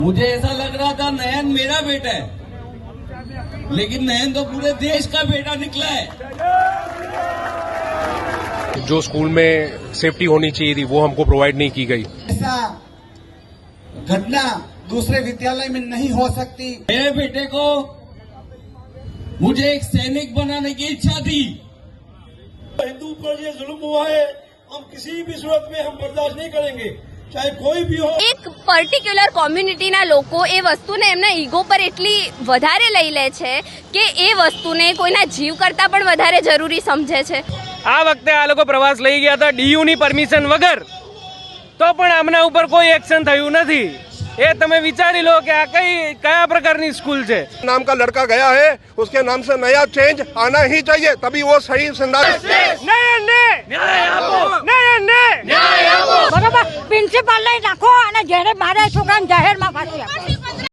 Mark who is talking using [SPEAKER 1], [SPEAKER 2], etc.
[SPEAKER 1] मुझे ऐसा लग रहा था नयन मेरा बेटा है, लेकिन नयन तो पूरे देश का बेटा निकला है।
[SPEAKER 2] जो स्कूल में सेफ्टी होनी चाहिए थी वो हमको प्रोवाइड नहीं की गई।
[SPEAKER 3] ऐसा घटना दूसरे विद्यालय में नहीं हो सकती।
[SPEAKER 1] मेरे बेटे को मुझे एक सैनिक बनाने की इच्छा थी।
[SPEAKER 4] हिंदू पर ये जुल्म हुआ है, हम किसी भी सूरत में हम बर्दाश्त नहीं करेंगे, चाहे कोई भी हो।
[SPEAKER 5] એક પર્ટિક્યુલર કોમ્યુનિટીના લોકો એ વસ્તુને એમના ઈગો પર એટલી વધારે લઈ લે છે કે એ વસ્તુને કોઈના જીવ કરતા પણ વધારે જરૂરી સમજે છે।
[SPEAKER 6] આ વખતે આ લોકો પ્રવાસ લઈ ગયા હતા ડીયુની પરમિશન વગર, તો પણ આમના ઉપર કોઈ એક્શન થયું નથી। એ તમે વિચારી લો કે આ કયા પ્રકારની સ્કૂલ છે।
[SPEAKER 7] नाम का लड़का गया है, उसके नाम से नया चेंज आना ही चाहिए, तभी वो सही संदास।
[SPEAKER 8] બરોબર પ્રિન્સિપાલ લઈ નાખો અને જેને મારે છોકરાને જાહેરમાં ફાંસી આપો।